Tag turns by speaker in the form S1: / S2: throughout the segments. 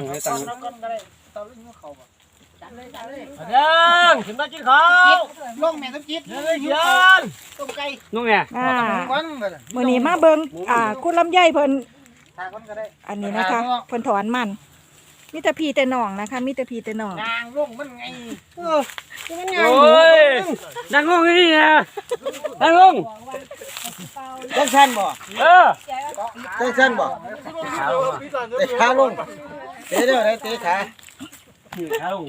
S1: ตั้งเลยตั้ง
S2: ยังขึ้นมากินข้าว
S3: ลงแม่ต้องจิต
S2: ยัน
S3: ต้มไก่
S1: นุ่งเนี่ย
S3: วันเลย
S4: มื้อนี้มาเบิ่งคุณลำไยเพิ่น
S3: ทางคนก็ได้
S4: อันนี้นะคะเพิ่นถอนมันมีแต่พี่แต่น้องนะคะมีแต่พี่แต่น้อง
S3: นางลงมันไง
S1: โอ้ยนั่งลงนี่นะนั่งลง
S3: ต้องชันบ่ ต้องชันบ่เตะขาลงเตะเดี๋ยวได้เตะขา
S1: นั่งลง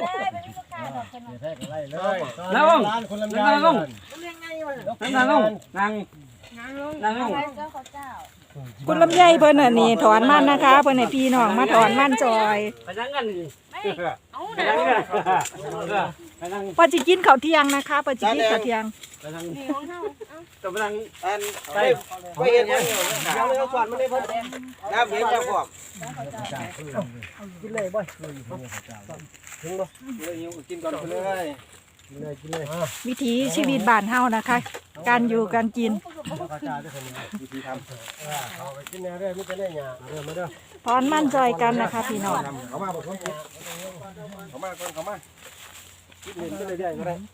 S1: นั่งลงนั่งลงนั่งลงนั่งลง
S4: คุณลำไยเพิ่นอันนี้ถอนมันนะคะเพิ่นให้พี่น้องมาถอนมันจอย
S1: ไปนั่งกันไปนั่งกันไปนั่ง
S4: เพิ่นสิกินข้าวเที่ยงนะคะเพิ่นสิกินข้าวเที่ยง
S1: ไปนั่งจะไปนั่ง
S3: อันไปเห็นยังเดี๋ยวเราก่อนมันได้เพิ่นน้ำเย็นจะพวกกินเลยบ่ถึงบ่เลยกินก่อนไปเลยกินเลย
S4: วิถีชีวิตบ้านเฮานะคะ การอยู่การกิน
S3: วิธีทำเอาไปกินแน่เด้อไม่จะได้หยาเด้อมาเด้อ
S4: ถอนมันจอยกันนะคะพี่น้อง
S3: เขามาบอกคนกินเขามาคนเขามากินเล่นไปเรื่อยๆก็ได้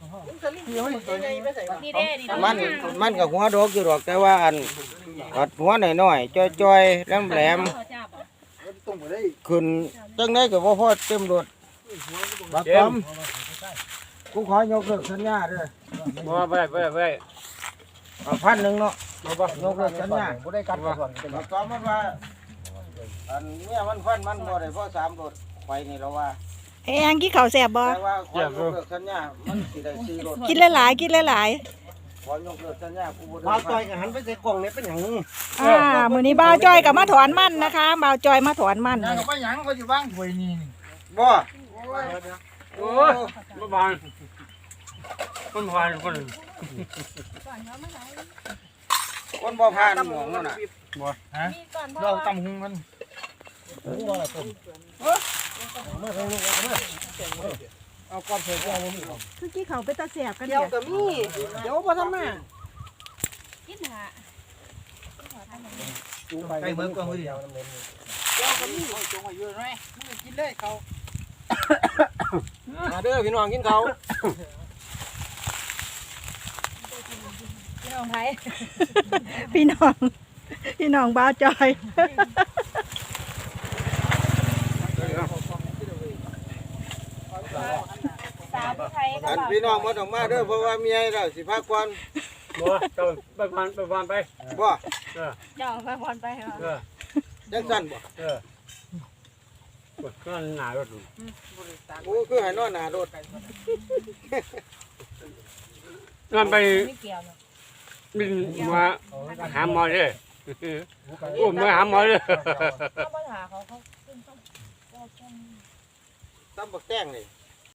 S3: มันกับหัวดอกอยู่ดอกแต่ว่าอันกัดหัวหน่อยๆจ้อยๆแหลมๆขึ้นจังได้ก็บ่พอเต็มรถบักกอมกูขอยกเลิกสัญญาเด้อ
S1: บ่ไป
S3: 1,000เนาะยกเลิกสัญญาบ่ได้กัดก่อนบักกอมมันว่าอันเมียมันฟันมันบ่ได้เพราะ3รถไปนี่แล้วว่า
S4: แองกินข้าวแซ่บบ่
S3: แต่ว่าขอยกเลิกสัญญามันสิได้4รถ
S4: กินหลายๆกินหลาย
S3: ขอยกเลิกสัญญากูบ่ได้ต่อยกันหันไปใส่กล่องนี่เป็นหยัง
S4: ๆมื้อนี้บ่าวจอยก็มาถอนมันนะคะบ่าวจอยมาถอนมัน
S3: ก็ไปหยังก็อยู่บ้างถ้วยนี่บ่
S1: โอ้ยมาบานคนผ่านคน
S3: คนบ่ผ่านหมองนั่นน่ะ
S2: เราตำหุงกัน
S3: เอาก้อนเผยแก้วบ่มี
S4: คือกินข้าวไปตาแซ่บกัน
S3: เดี๋ยวก็มีเดี๋ยวบ่ทำมา
S2: ไก่เมืองกองเดียว
S3: เดี๋ยวก็มีจงไว้อยู่ไหนมึงกินเลยเขามาเด้อพี่น้องกินเขา
S4: พี่น้องบ่าวจอย
S3: อันพี่น้องบ่ต้องมาเด้อเพราะว่าเมียแล้วสิพาก่อน
S1: บ่ไปผ่านไป
S3: บ่
S4: เจ้าไปพรไปเหรอ
S3: จังซั่นบ่
S1: ก็หนารถ
S3: กูคือให้นอนหน้ารถ
S1: นั่นไปบินมาหาหมอเลยโอ้มาหาหมอเลย
S3: ตำบักแต้งนี่